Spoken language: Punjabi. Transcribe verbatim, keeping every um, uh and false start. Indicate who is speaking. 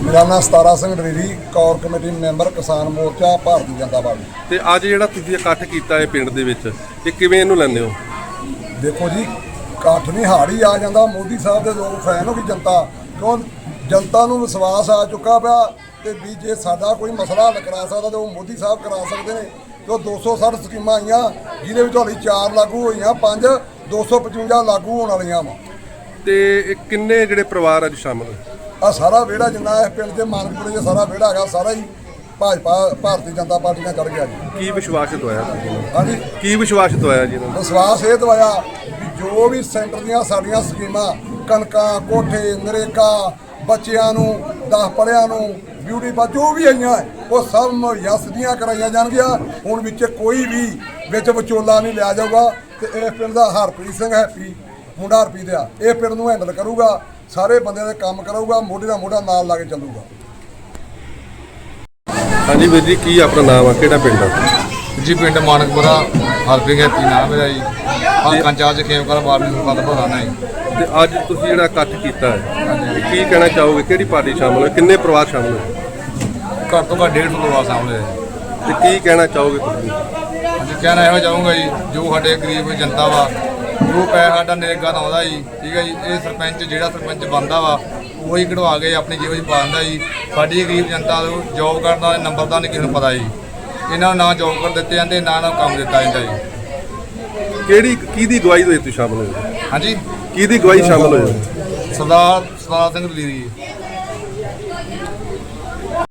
Speaker 1: मेरा नाम Satara Singh Dariri, core committee member, Kisan Morcha, भारतीय जनता पार्टी।
Speaker 2: ਤੇ ਅੱਜ ਜਿਹੜਾ ਤੁਸੀਂ ਇਕੱਠ ਕੀਤਾ ਹੈ ਪਿੰਡ ਦੇ ਵਿੱਚ, ਇਹ ਕਿਵੇਂ ਇਹਨੂੰ ਲੈਂਦੇ ਹੋ?
Speaker 1: देखो जी, इकट्ठ नहीं हाड़ ही आ जाता। मोदी साहब के लोग फैन हो गई जनता, क्यों जनता को विश्वास आ चुका पाया कि भी जे साडा कोई मसला हल करा सकता तो मोदी साहब करा सकते हैं। तो दो सौ सठ स्कीमां आईयां, जिहदे विच हाली चार लागू होईयां, पंज दो सौ पचवंजा लागू होने वालियां वा।
Speaker 2: ਤੇ ਇਹ ਕਿੰਨੇ ਜਿਹੜੇ ਪਰਿਵਾਰ ਅੱਜ ਸ਼ਾਮਲ ਹੋਏ?
Speaker 1: आ सारा विहड़ा जिन्ना इस पिंड के मानकपुरे च सारा विहड़ा है, सारा ही भाजपा भारतीय जनता पार्टी ने चढ़ गया जी।
Speaker 2: ਕੀ ਵਿਸ਼ਵਾਸਿਤ ਹੋਇਆ ਤੁਸੀਂ ਨੂੰ?
Speaker 1: हाँ जी,
Speaker 2: ਕੀ ਵਿਸ਼ਵਾਸਿਤ ਹੋਇਆ ਜੀ ਇਹਨਾਂ ਨੂੰ?
Speaker 1: विश्वास ये दवाया भी जो भी सेंटर दियां साड़ियां स्कीमां, कणकां, कोठे, नरेगा, बच्चियां नूं, दस पढ़ियां नूं, ब्यूटी पा जो भी आईयां वो सब मुहैया सिद्धियां कराईयां जाणगीआं। हुण विच कोई भी विच विचोला नहीं लिया जाऊगा। ते इस पिंड दा हरप्रीत सिंह हैप्पी मुंडा हरप्रीत आ, ਇਹ ਪਿੰਡ ਨੂੰ हैंडल करूगा, ਸਾਰੇ ਬੰਦਿਆਂ ਦੇ ਕੰਮ ਕਰਾਊਗਾ, ਮੋਢੇ ਨਾਲ ਮੋਢਾ ਨਾਲ ਲਾ ਕੇ ਚੱਲੂਗਾ।
Speaker 2: ਹਾਂਜੀ ਵੀਰ ਜੀ, ਕੀ ਆਪਣਾ ਨਾਮ ਆ, ਕਿਹੜਾ ਪਿੰਡ ਆ?
Speaker 3: ਜੀ ਪਿੰਡ ਮਾਨਕਪੁਰਾ, ਹਰਪ੍ਰੀਤ ਹੈਪੀ ਨਾਮ ਮੇਰਾ ਜੀ। ਆਹ ਕੰਚਾਰ ਚ ਖੇਮਕਰ ਵਾਰਡ ਨੂੰ ਪਤਾ ਭਰਾਣਾ ਜੀ।
Speaker 2: ਤੇ ਅੱਜ ਤੁਸੀਂ ਜਿਹੜਾ ਇਕੱਠ ਕੀਤਾ ਹੈ, ਕੀ ਕਹਿਣਾ ਚਾਹੋਗੇ? ਕਿਹੜੀ ਪਾਰਟੀ ਸ਼ਾਮਲ ਹੋਈ, ਕਿੰਨੇ ਪਰਿਵਾਰ ਸ਼ਾਮਲ ਹੋਏ?
Speaker 3: ਘੱਟ ਤੋਂ ਘੱਟ ਡੇਢ ਸੌ ਪਰਿਵਾਰ ਸਾਹਮਣੇ ਹੈ।
Speaker 2: ਤੇ ਕੀ ਕਹਿਣਾ ਚਾਹੋਗੇ ਤੁਸੀਂ?
Speaker 3: ਅਸੀਂ ਕਹਿਣਾ ਇਹੋ ਚਾਹੂੰਗਾ ਜੀ, ਜੋ ਸਾਡੇ ਗਰੀਬ ਜਨਤਾ ਵਾ, ਜੋ ਪੈਸਾ ਸਾਡਾ ਨਰੇਗਾ ਦਾ ਆਉਂਦਾ ਜੀ, ਠੀਕ ਹੈ ਜੀ, ਇਹ ਸਰਪੰਚ ਜਿਹੜਾ ਸਰਪੰਚ ਬਣਦਾ ਵਾ ਉਹੀ ਕਢਵਾ ਕੇ ਆਪਣੀ ਜੇਬ 'ਚ ਪਾ ਦਿੰਦਾ ਜੀ। ਸਾਡੀ ਗਰੀਬ ਜਨਤਾ ਨੂੰ ਜੋਬ ਕਰਨ ਦਾ ਨੰਬਰ ਦਾ ਨਹੀਂ ਕਿਸੇ ਨੂੰ ਪਤਾ ਜੀ। ਇਹਨਾਂ ਨੂੰ ਨਾ ਜੋਬ ਕਰ ਦਿੱਤੇ ਜਾਂਦੇ, ਨਾ ਨਾ ਕੰਮ ਦਿੱਤਾ ਜਾਂਦਾ ਜੀ।
Speaker 2: ਕਿਹੜੀ ਕਿਹਦੀ ਅਗਵਾਈ ਦੇ ਤੁਸੀਂ ਸ਼ਾਮਲ ਹੋਏ?
Speaker 3: ਹਾਂਜੀ,
Speaker 2: ਕਿਹਦੀ ਅਗਵਾਈ ਸ਼ਾਮਲ ਹੋਏ?
Speaker 3: ਸਰਦਾਰ ਸਰਦਾਰ ਸਿੰਘ ਲੀਰੀ।